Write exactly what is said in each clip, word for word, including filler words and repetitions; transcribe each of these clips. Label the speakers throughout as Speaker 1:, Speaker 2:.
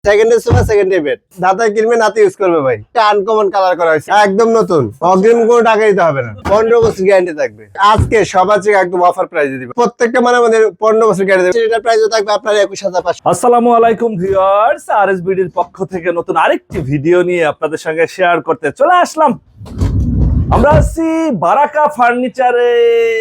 Speaker 1: সেকেন্ডের সোফা সেকেন্ডে বেড দাদা কিনবে নাতি ইউজ করবে ভাই। এটা আনকমন কালার করা হয়েছে, একদম নতুন, অগ্রিম কোনো টাকা দিতে হবে না, পনেরো বছর গ্যারান্টি থাকবে। আজকে সবার চেয়ে একদম অফার প্রাইসে দিবে, প্রত্যেকটা মানে আমাদের পনেরো বছর গ্যারান্টি দেবে। এটার প্রাইসও থাকবে আপনার একুশ হাজার পাঁচশো।
Speaker 2: আসসালামু আলাইকুম ভিউয়ার্স, আরএসবিডির পক্ষ থেকে নতুন আরেকটি ভিডিও নিয়ে আপনাদের সঙ্গে শেয়ার করতে চলে আসলাম। আমরা আছি বারাকা ফার্নিচারে,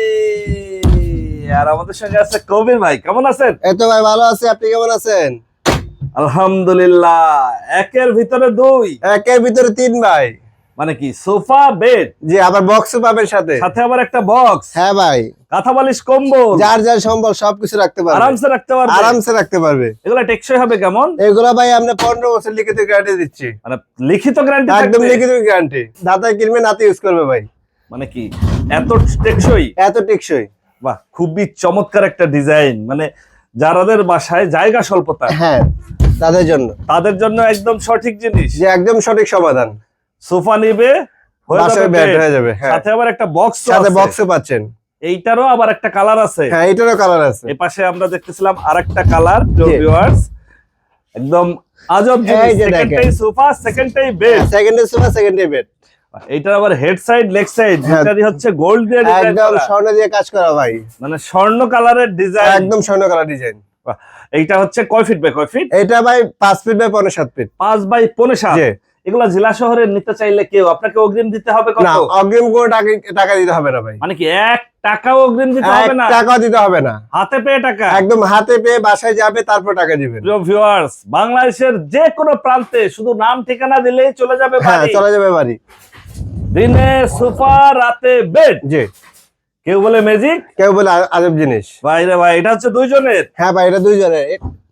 Speaker 2: আর আমাদের সঙ্গে আছে কবির ভাই। কেমন আছেন?
Speaker 1: এই তো ভাই ভালো আছি, আপনি কেমন আছেন?
Speaker 2: আলহামদুলিল্লাহ। একের ভিতরে দুই,
Speaker 1: একের ভিতরে তিন ভাই।
Speaker 2: মানে কি সোফা বেড,
Speaker 1: জি আবার বক্সও পাবেন সাথে,
Speaker 2: সাথে আবার একটা বক্স।
Speaker 1: হ্যাঁ ভাই,
Speaker 2: কাঁথা বালিশ কম্বল
Speaker 1: যার যার সম্বল সবকিছু রাখতে পারবে,
Speaker 2: আরামসে রাখতে পারবে,
Speaker 1: আরামসে রাখতে পারবে।
Speaker 2: এগুলা টেকসই হবে কেমন?
Speaker 1: এগুলা ভাই আমরা পনেরো বছর লিখিত গ্যারান্টি দিচ্ছি,
Speaker 2: মানে লিখিত গ্যারান্টি,
Speaker 1: একদম লিখিত গ্যারান্টি। দাদা কিনবে নাতি ইউজ করবে ভাই।
Speaker 2: মানে কি এত টেকসই,
Speaker 1: এত টেকসই।
Speaker 2: বাহ, খুবই চমৎকার একটা ডিজাইন। মানে যারাদের বাসায় জায়গা স্বল্পতা,
Speaker 1: হ্যাঁ তাদের জন্য,
Speaker 2: তাদের জন্য একদম সঠিক জিনিস।
Speaker 1: যে একদম সঠিক সমাধান।
Speaker 2: সোফা নিবে, হয়ে
Speaker 1: বাসায়
Speaker 2: যাবে
Speaker 1: বেড
Speaker 2: bed,
Speaker 1: হয়ে যাবে, হ্যাঁ।
Speaker 2: সাথে আবার একটা বক্স,
Speaker 1: সাথে বক্সও পাচ্ছেন।
Speaker 2: এইটারও আবার একটা কালার আছে,
Speaker 1: হ্যাঁ এটারও কালার আছে।
Speaker 2: এই পাশে আমরা দেখতেছিলাম আরেকটা কালার।
Speaker 1: জি।
Speaker 2: ভিউয়ার্স একদম আজব জিনিস,
Speaker 1: এই যে
Speaker 2: সেকেন্ডটাই
Speaker 1: দেখেন।
Speaker 2: সোফা সেকেন্ডটাই বেড।
Speaker 1: সেকেন্ডে সোফা সেকেন্ডে বেড,
Speaker 2: এইটার আবার হেড সাইড লেগ সাইড
Speaker 1: হ্যাঁ।
Speaker 2: দুটারই হচ্ছে গোল্ড দিয়ে ডিজাইন
Speaker 1: একদম
Speaker 2: করা,
Speaker 1: স্বর্ণ দিয়ে কাজ করা ভাই,
Speaker 2: মানে স্বর্ণ কালারের ডিজাইন।
Speaker 1: একদম স্বর্ণ কালার ডিজাইন।
Speaker 2: এইটা হচ্ছে কয় ফিট বাই কয় ফিট?
Speaker 1: এটা ভাই পাঁচ ফিট বাই পনেরো সাত ফিট।
Speaker 2: পাঁচ বাই পনেরো সাত।
Speaker 1: জি।
Speaker 2: এগুলা জেলা শহরে নিতে চাইলে কেউ আপনাকে অগ্রিম দিতে হবে কত?
Speaker 1: না অগ্রিম কোনো টাকা টাকা দিতে হবে না ভাই,
Speaker 2: মানে কি এক টাকাও অগ্রিম দিতে
Speaker 1: এক
Speaker 2: হবে না?
Speaker 1: টাকা দিতে হবে না,
Speaker 2: হাতে পেয়ে টাকা,
Speaker 1: একদম হাতে পেয়ে বাসায় যাবে তারপর টাকা দিবেন।
Speaker 2: প্রিয় ভিউয়ার্স, বাংলাদেশের যে কোনো প্রান্তে শুধু নাম ঠিকানা দিলেই চলে যাবে
Speaker 1: হ্যাঁ
Speaker 2: বাড়ি।
Speaker 1: চলে যাবে বাড়ি।
Speaker 2: দিনে সোফা, রাতে বেড।
Speaker 1: জি,
Speaker 2: কেউ বলে ম্যাজিক,
Speaker 1: কেউ বলে আ- আজব জিনিস।
Speaker 2: ভাই রে ভাই, এটা হচ্ছে দুইজনের,
Speaker 1: হ্যাঁ ভাই এটা দুইজনের,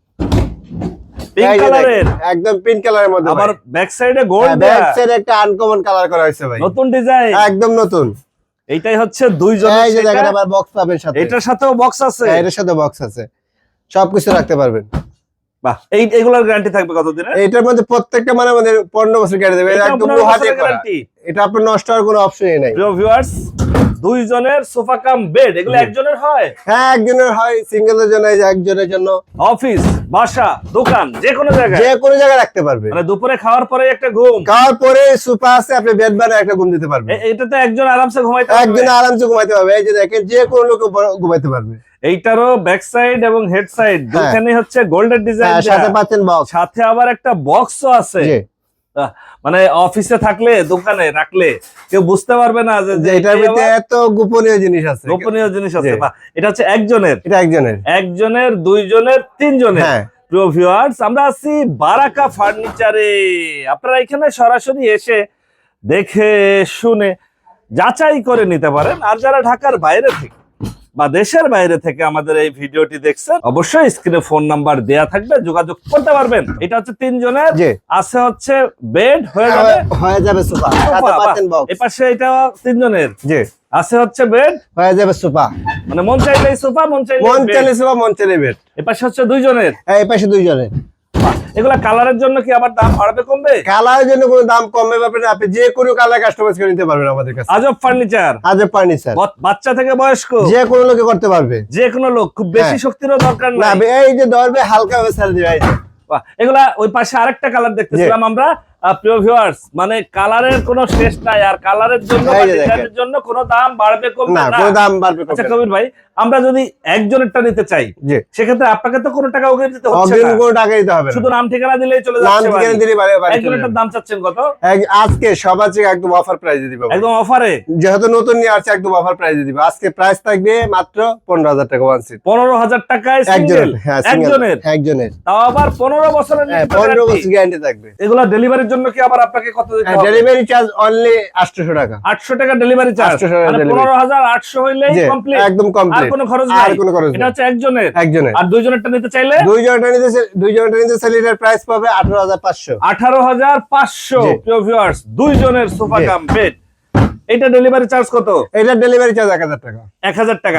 Speaker 2: পিঙ্ক
Speaker 1: এই যে
Speaker 2: কালারের,
Speaker 1: দেখেন, একদম পিঙ্ক কালারের মধ্যে।
Speaker 2: আবার
Speaker 1: ভাই
Speaker 2: ব্যাক সাইডে গোল্ড
Speaker 1: ব্যাক
Speaker 2: দেয়া,
Speaker 1: সাইড একটা আনকমন কালার করা হয়েছে ভাই,
Speaker 2: নতুন ডিজাইন,
Speaker 1: একদম নতুন।
Speaker 2: এইটাই হচ্ছে দুইজনের।
Speaker 1: এই যে দেখেন
Speaker 2: সেটা।
Speaker 1: আবার বক্স পাবেন সাথে,
Speaker 2: এটার সাথেও বক্স আছে।
Speaker 1: হ্যাঁ, এটার সাথে বক্স আছে, সবকিছু রাখতে পারবেন।
Speaker 2: বাহ, এই এগুলোর গ্যারান্টি থাকবে কতদিনের?
Speaker 1: এটার মধ্যে প্রত্যেকটা মানে আমাদের পনেরো বছর গ্যারান্টি দেবে,
Speaker 2: এটা
Speaker 1: একদম
Speaker 2: পনেরো
Speaker 1: লোহা দিয়ে
Speaker 2: বছরের
Speaker 1: করা।
Speaker 2: গ্যারান্টি।
Speaker 1: এটা আপনার নষ্ট হওয়ার কোনো অপশনই নাই।
Speaker 2: প্রিয় ভিউয়ার্স, দুইজনের সোফা কাম বেড, এগুলো
Speaker 1: জি।
Speaker 2: একজনের হয়?
Speaker 1: হ্যাঁ একজনের হয়, সিঙ্গেলের জন্য, এই যে একজনের জন্য,
Speaker 2: অফিস, বাসা, দোকান, যে কোনো জায়গায়,
Speaker 1: যে কোনো জায়গায় রাখতে পারবে।
Speaker 2: মানে দুপুরে খাওয়ার পরে একটা ঘুম,
Speaker 1: খাওয়ার পরে সোফা আছে, আপনি বেড বানায় একটা ঘুম দিতে পারবেন,
Speaker 2: এ- এটাতে একজন আরামসে ঘুমাইতে পারবে।
Speaker 1: একজন আরামসে ঘুমাইতে পারবে। এই যে দেখেন যে কোনো লোক ঘুমাইতে পারবে।
Speaker 2: এইটারও ব্যাক সাইড এবং হেড সাইড দুখানে হচ্ছে গোল্ডেন ডিজাইন,
Speaker 1: হ্যাঁ, সাথে পাচ্ছেন বক্স।
Speaker 2: সাথে আবার একটা বক্সও আছে।
Speaker 1: জি,
Speaker 2: আহ, মানে অফিসে থাকলে, দোকানে রাখলে কেউ বুঝতে পারবে না যে
Speaker 1: যে এটার ভিতরে এত গোপনীয় জিনিস আছে,
Speaker 2: গোপনীয় জিনিস আছে।
Speaker 1: জি।
Speaker 2: বাহ, এটা হচ্ছে একজনের,
Speaker 1: এটা একজনের।
Speaker 2: একজনের, দুইজনের, তিনজনের।
Speaker 1: হ্যাঁ
Speaker 2: প্রিয় ভিউয়ার্স, আমরা আছি বারাকা ফার্নিচারে। আপনারা এখানে সরাসরি এসে দেখে শুনে যাচাই করে নিতে পারেন। আর যারা ঢাকার বাইরে থেকে বা দেশের বাইরে থেকে আমাদের এই ভিডিওটি দেখছেন, অবশ্যই স্ক্রিনে ফোন নাম্বার দেয়া থাকবে, যোগাযোগ করতে পারবেন। এটা হচ্ছে তিনজনের,
Speaker 1: জি।
Speaker 2: আছে হচ্ছে বেড, হয়ে যাবে
Speaker 1: হয়ে যাবে সোফা,
Speaker 2: সোফা,
Speaker 1: সাথে
Speaker 2: বাহ।
Speaker 1: পাচ্ছেন বক্স।
Speaker 2: এই পাশে এটা তিনজনের,
Speaker 1: জি,
Speaker 2: আছে হচ্ছে বেড,
Speaker 1: হয়ে যাবে সোফা,
Speaker 2: মানে মন চাইলেই সোফা, মন
Speaker 1: মন
Speaker 2: চাইলেই
Speaker 1: চাইলে
Speaker 2: bed।
Speaker 1: সোফা, মন চাইলে বেড।
Speaker 2: এই পাশে হচ্ছে দুইজনের।
Speaker 1: এই পাশে দুইজনের।
Speaker 2: এগুলা কালারের জন্য কি আবার দাম বাড়বে কমবে?
Speaker 1: কালারের জন্য কোনো দাম কমবে ব্যাপারে না, আপনি যে কোনো কালার কাস্টমাইজ করে নিতে পারবেন আমাদের কাছে।
Speaker 2: আজব ফার্নিচার,
Speaker 1: আজব ফার্নিচার,
Speaker 2: বাচ্চা থেকে বয়স্ক
Speaker 1: যে কোনো লোকে করতে পারবে,
Speaker 2: যে কোনো লোক, খুব বেশি
Speaker 1: হ্যাঁ।
Speaker 2: শক্তিরও দরকার
Speaker 1: না
Speaker 2: নাই।
Speaker 1: এই যে ধরবে হালকা ভাবে ছেড়ে দিবে। এই যে
Speaker 2: বাহ, এগুলা ওই পাশে আরেকটা কালার দেখতেছিলাম আমরা। আহ, প্রিয় ভিউয়ার্স, মানে কালারের কোনো শেষ নাই, আর কালারের জন্য
Speaker 1: এই
Speaker 2: বা
Speaker 1: যে দেখেন।
Speaker 2: ডিজাইনের জন্য কোনো দাম বাড়বে কমবে
Speaker 1: না
Speaker 2: না।
Speaker 1: কোনো দাম বাড়বে
Speaker 2: আচ্ছা
Speaker 1: কমবে না।
Speaker 2: কবির ভাই, আমরা যদি একজনেরটা নিতে চাই,
Speaker 1: জি,
Speaker 2: সেক্ষেত্রে আপনাকে তো কোনো টাকা অগ্রিম দিতে হচ্ছে
Speaker 1: অগ্রিম
Speaker 2: না,
Speaker 1: কোনো টাকা দিতে হবে না,
Speaker 2: শুধু নাম ঠিকানা দিলেই চলে
Speaker 1: নাম
Speaker 2: যাচ্ছে
Speaker 1: ঠিকানা
Speaker 2: বাড়ি।
Speaker 1: দিলে বাড়ি বাড়ি চলে
Speaker 2: একজনেরটার
Speaker 1: যাবে।
Speaker 2: দাম চাচ্ছেন কত?
Speaker 1: এক- আজকে সবার চেয়ে একদম অফার প্রাইসে দিব,
Speaker 2: একদম অফারে,
Speaker 1: যেহেতু নতুন নিয়ে আসছে একদম অফার প্রাইসে দিব। আজকে প্রাইস থাকবে মাত্র পনেরো হাজার টাকা ওয়ান সিট,
Speaker 2: পনেরো হাজার টাকায় সিঙ্গেল,
Speaker 1: একজনের। হ্যাঁ single,
Speaker 2: একজনের,
Speaker 1: একজনের।
Speaker 2: তাও আবার পনেরো বছরের
Speaker 1: হ্যাঁ
Speaker 2: নিচে
Speaker 1: পনেরো
Speaker 2: guarantee।
Speaker 1: বছর গ্যারান্টি থাকবে।
Speaker 2: এগুলা ডেলিভারির জন্য কি আবার আপনাকে কত দিতে হবে?
Speaker 1: ডেলিভারি চার্জ অনলি আটশো টাকা।
Speaker 2: আটশো টাকা ডেলিভারি চার্জ,
Speaker 1: আটশো টাকা
Speaker 2: মানে
Speaker 1: delivery।
Speaker 2: পনেরো হাজার আটশো হইলেই
Speaker 1: জি,
Speaker 2: কমপ্লিট,
Speaker 1: একদম
Speaker 2: আর
Speaker 1: কমপ্লিট,
Speaker 2: কোনো খরচ
Speaker 1: আর
Speaker 2: নাই।
Speaker 1: কোনো খরচ
Speaker 2: এটা
Speaker 1: নেই।
Speaker 2: হচ্ছে একজনের,
Speaker 1: একজনের।
Speaker 2: আর দুইজনেরটা নিতে চাইলে
Speaker 1: দুইজনটা নিতে দুইজনটা নিতে চাইলে এটার প্রাইস পাবে আঠারো হাজার পাঁচশো।
Speaker 2: আঠারো হাজার পাঁচশো।
Speaker 1: জি।
Speaker 2: প্রিয় ভিউয়ার্স, দুইজনের সোফা
Speaker 1: জি।
Speaker 2: কাম বেড, এটা ডেলিভারি চার্জ কত?
Speaker 1: এটার ডেলিভারি চার্জ এক হাজার টাকা।
Speaker 2: এক হাজার টাকা।
Speaker 1: জি।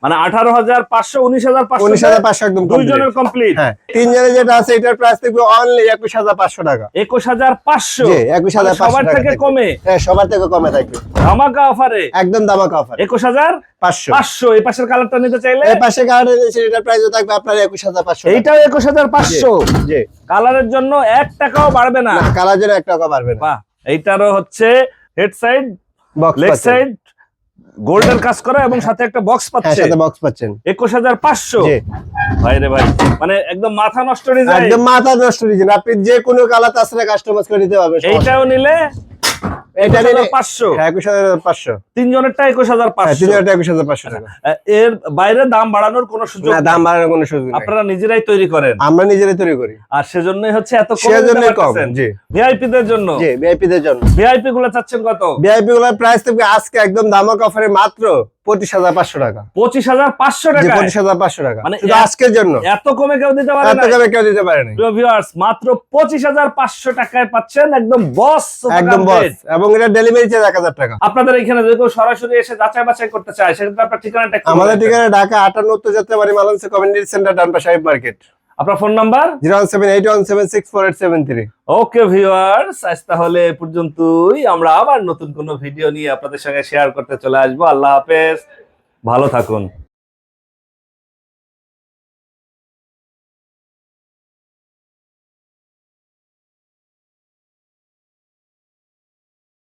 Speaker 2: মানে আঠারো হাজার পাঁচশো উনিশ হাজার পাঁচশো
Speaker 1: উনিশ হাজার পাঁচশো একদম
Speaker 2: দুইজনের কমপ্লিট।
Speaker 1: হ্যাঁ, তিনজনের যেটা আছে এটার প্রাইস থাকবে অনলি একুশ হাজার পাঁচশো টাকা।
Speaker 2: একুশ হাজার পাঁচশো
Speaker 1: জি, একুশ হাজার পাঁচশো
Speaker 2: সবার
Speaker 1: টাকা
Speaker 2: থেকে
Speaker 1: থাকবে।
Speaker 2: কমে,
Speaker 1: হ্যাঁ, সবার থেকে কমে থাকবে,
Speaker 2: ধামাকা অফারে
Speaker 1: একদম দামাকা অফার
Speaker 2: একুশ হাজার
Speaker 1: পাঁচশো।
Speaker 2: পাঁচশো। এই পাশের কালারটা নিতে চাইলে
Speaker 1: এই পাশে গার্ডেন আছে, এটার প্রাইস থাকবে আপনার একুশ হাজার পাঁচশো।
Speaker 2: এইটাও একুশ হাজার পাঁচশো।
Speaker 1: জি,
Speaker 2: কালারের জন্য এক টাকাও বাড়বে না।
Speaker 1: না কালার জন্য এক টাকা পারবে না।
Speaker 2: বাহ, এইটারও হচ্ছে হেড সাইড
Speaker 1: বক্স
Speaker 2: লেগ
Speaker 1: পাচ্ছেন,
Speaker 2: সাইড গোল্ডের কাজ করা এবং সাথে একটা বক্স
Speaker 1: হ্যাঁ
Speaker 2: পাচ্ছে।
Speaker 1: সাথে বক্স পাচ্ছেন।
Speaker 2: একুশ হাজার পাঁচশো।
Speaker 1: জি,
Speaker 2: ভাই রে ভাই, মানে একদম মাথা নষ্ট ডিজাইন।
Speaker 1: একদম মাথা নষ্ট ডিজাইন, আপনি যে কোনো কালার তাছাড়া কাস্টমাইজ করে দিতে পারবেন।
Speaker 2: এইটাও নিলে
Speaker 1: এটা নিলে
Speaker 2: পাঁচশো,
Speaker 1: হ্যাঁ একুশ হাজার পাঁচশো।
Speaker 2: তিনজনেরটা একুশ হাজার
Speaker 1: হ্যাঁ,
Speaker 2: পাঁচশো।
Speaker 1: তিনজনটা একুশ হাজার পাঁচশো টাকা।
Speaker 2: এর বাইরে দাম বাড়ানোর কোনো সুযোগ
Speaker 1: না,
Speaker 2: নেই।
Speaker 1: দাম বাড়ানোর কোনো সুযোগ নেই,
Speaker 2: আপনারা নিজেরাই তৈরি করেন,
Speaker 1: আমরা নিজেরাই তৈরি করি,
Speaker 2: আর সেজন্যই হচ্ছে এত কম
Speaker 1: সেজন্যই কম। জি,
Speaker 2: ভিআইপি দের জন্য।
Speaker 1: জি, ভিআইপি দের জন্য।
Speaker 2: ভিআইপি গুলো চাচ্ছেন কত?
Speaker 1: ভিআইপি গুলোর প্রাইস থাকবে আজকে একদম দামাকা অফারে মাত্র পঁচিশ হাজার পাঁচশো টাকা।
Speaker 2: পঁচিশ হাজার পাঁচশো
Speaker 1: জি,
Speaker 2: টাকা।
Speaker 1: পঁচিশ হাজার পাঁচশো টাকা
Speaker 2: মানে
Speaker 1: শুধু
Speaker 2: এত-
Speaker 1: আজকের জন্য।
Speaker 2: এত কমে কেউ দিতে পারে
Speaker 1: এত
Speaker 2: না।
Speaker 1: কমে কেউ দিতে পারেনি।
Speaker 2: প্রিয় ভিউয়ার্স, মাত্র পঁচিশ হাজার পাঁচশো টাকায় পাচ্ছেন একদম বস সোফা
Speaker 1: একদম
Speaker 2: কাম
Speaker 1: বস,
Speaker 2: বেড।
Speaker 1: এবং এটা ডেলিভারি চার্জ এক হাজার টাকা।
Speaker 2: আপনাদের এখানে যদি কেউ সরাসরি এসে যাচাই বাছাই করতে চায়, সেক্ষেত্রে আপনার ঠিকানাটা একটু
Speaker 1: আমাদের
Speaker 2: বলে দেন।
Speaker 1: ঠিকানা ঢাকা আটান্ন উত্তর যাত্রাবাড়ি মালান্সে কমিউনিটি সেন্টার, ডানপা সাহেব মার্কেট।
Speaker 2: আপনার phone number?
Speaker 1: Zero one seven eight one seven six four eight seven three.
Speaker 2: Okay viewers, আজ তাহলে এ পর্যন্তই। আমরা আবার নতুন কোনো ভিডিও নিয়ে আপনাদের সঙ্গে শেয়ার করতে চলে আসবো। আল্লাহ হাফেজ, ভালো থাকুন।